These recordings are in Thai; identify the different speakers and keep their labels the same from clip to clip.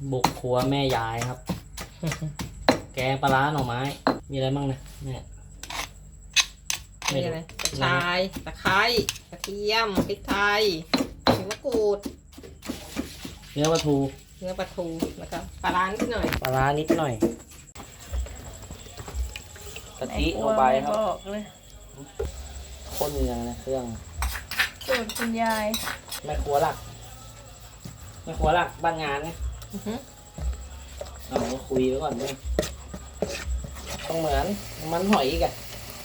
Speaker 1: บุกครัวแม่ยายครับ แกงปลาร้าหน่อไม้ มีอะไรบ้างนะแม่
Speaker 2: มีอะไรกระชายตะไคร้กระเทียมพริกไทยผิวมะกรูด
Speaker 1: เนื้อปลาทู
Speaker 2: เนื้อปลาทูแล้วก็ปลาร้านิดหน่อย
Speaker 1: ปลาร้านิดหน่อยกะทิลงไปครับ
Speaker 3: บอกเลย
Speaker 1: ข้นเนื้อนะเครื่อง
Speaker 3: สูตรคุณยาย
Speaker 1: แม่ครัวหลักแม่ครัวหลักบ้านงานไง
Speaker 2: อือหือ
Speaker 1: เราก็คุยไว้ก่อนด้วยต้องเหมือนมันหอยอีกอะ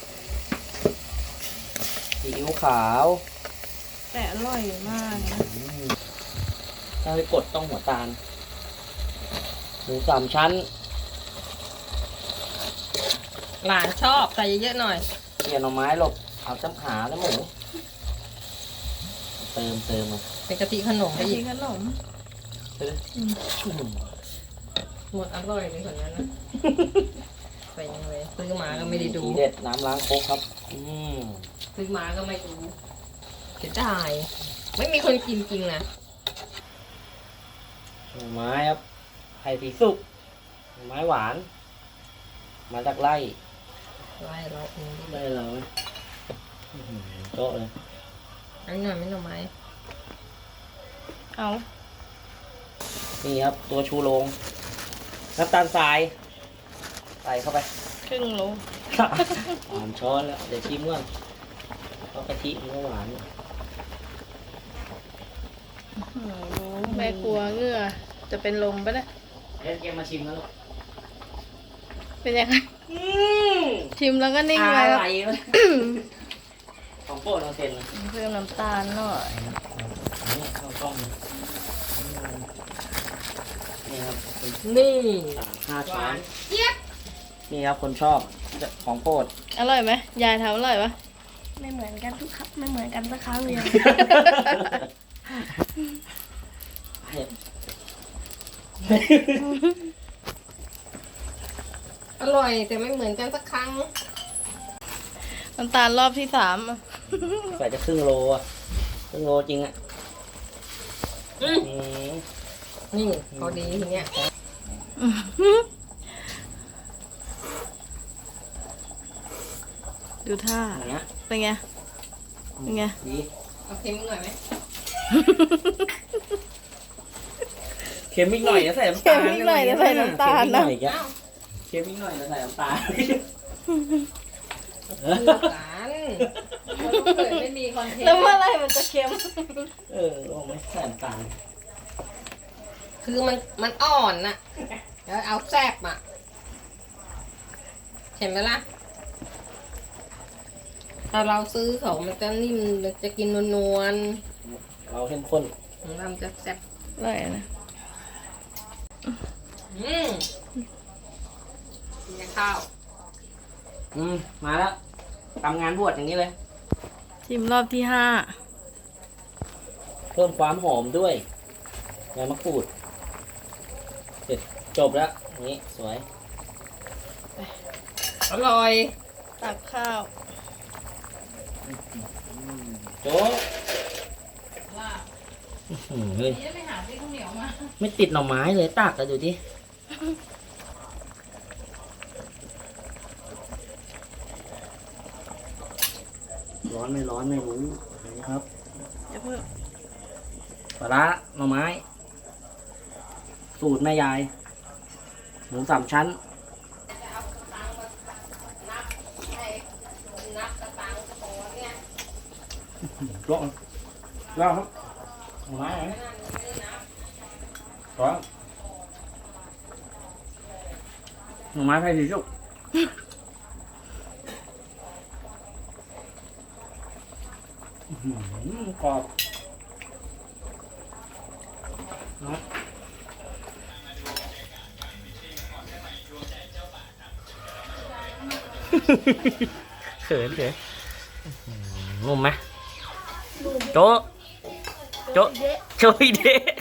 Speaker 1: ซีอิ๊วขาว
Speaker 3: แต่อร่อยมากนะ
Speaker 1: ถ้าไปกดต้องหัวตาลหมูสามชั้น
Speaker 2: หลานชอบใส่เยอะๆหน่อย
Speaker 1: เกี่ยหน่อไม้หลบเอาจ้ำขาแล้วหมูเติมมา
Speaker 2: เป็นกะทิขนมไป
Speaker 3: อัน
Speaker 2: อี
Speaker 3: นี้
Speaker 2: ก
Speaker 3: ขนม
Speaker 1: เติม
Speaker 2: หมดอร่อยเลยคนนั้นนะใส่ยังไงซื้อมาก็ไม่ได้ดู
Speaker 1: ทีเด็ดน้ำล้างโคกครับม
Speaker 2: ซื้อมาก็ไม่ดูเสียดายไม่มีคนกินจริงนะ
Speaker 1: หน่อไม้ครับไผ่สีสุกหน่อไม้หวาน มาจากไร่
Speaker 2: ไล่เราเองดิ
Speaker 1: ได้เราไหมโต๊ะเลย
Speaker 2: อันนี้หน่อยไม่หน่อไม้
Speaker 3: เอา
Speaker 1: นี่ครับตัวชูโรงน้ำตาลทรายใส่เข้าไป
Speaker 3: ครึ่งโล
Speaker 1: 3 ช้อนแล้วเดี๋ยวชิมก่อนเพราะกะทิมันก็หวาน
Speaker 3: แม่กลัวเหงื่อจะเป็นลมปะเนี่ย
Speaker 1: เดี๋ยวมาชิมแล้วลูก
Speaker 3: เป็นยังไง
Speaker 1: อืม
Speaker 3: ชิมแล้วก็นิ่ง
Speaker 1: อะ
Speaker 3: ไว้แล้ว
Speaker 1: ไรเลยของโปรดเราเซ็นเลย
Speaker 3: เพิ่มน้ำตาลหน่อย
Speaker 1: นี่ข้าวต้มนี่ครับเป็น
Speaker 2: นี่
Speaker 1: 5 ช้อน
Speaker 2: เจี๊ยบ
Speaker 1: นี่ครับคนชอบของโปรด
Speaker 3: อร่อยไหมยายทำอร่อยปะ
Speaker 4: ไม่เหมือนกันทุกครั้งไม่เหมือนกันสักครั้งเดียว
Speaker 2: อร่อยแต่ไม่เหมือนกันสักครั้ง
Speaker 3: น้ำตาลรอบที่ 3อะ
Speaker 1: ใส่จะครึ่งโลอ่ะครึ่งโลจริงอ่ะ
Speaker 2: อืม
Speaker 1: อืม
Speaker 2: นี่พอดีทีเนี้ย
Speaker 3: ดูท่า
Speaker 1: อย่างเงี้ย
Speaker 3: เป็นไง เป็นไง
Speaker 1: ดี
Speaker 2: เอาเค็มอีกหน่อยไหม
Speaker 1: เค็มอีกหน่อยจะใส่น้ำตาล
Speaker 3: เค็มอีกหน่อยจะใส่น้ำตาลนะ
Speaker 1: เค็มอีกหน่อยจะใส่น้ำตาล
Speaker 2: คู่กันเราต้องเกิดไม่มีคอนเทน
Speaker 3: แล้วเมื่อ
Speaker 2: ต์
Speaker 3: ไหรมันจะเค็ม
Speaker 1: ลองไม่ใส่น้ำตาล
Speaker 2: คือมันอ่อนน่ะแล้วเอาแซ่บอ่ะเห็นไหมล่ะถ้าเราซื้อเขามันจะนิ่มมันจะกินนวล
Speaker 1: เราเข้มข้น
Speaker 2: ๆของเรามันจะแซ่บ
Speaker 3: อร่อยนะ
Speaker 2: กินกับข้าว
Speaker 1: มาแล้วทำงานบวชอย่างนี้เลย
Speaker 3: ชิมรอบที่
Speaker 1: เพิ่มความหอมด้วยใบมะกรูดเสร็จจบแล้วอย่างนี้สวย
Speaker 2: อร่อย
Speaker 3: 5 ตักข้าว
Speaker 1: โจ๊กเฮ้ยไม่ติดหน่อไม้เลยตักกันดูดิร้อนไม่ร้อนไม่รู้นี่ครับ
Speaker 3: อย่าเพิ่ง
Speaker 1: ปลาร้าหน่อไม้ สูตรแม่ยาย หมู3 ชั้น ร้อนร้อนครับหน่อไม้ไหนร้อนหน่อไม้ไผ่สีสุกกรอบนะ เขินนุ่มไหมโจ๊ะโจ๊ะโจ๊ยเดะ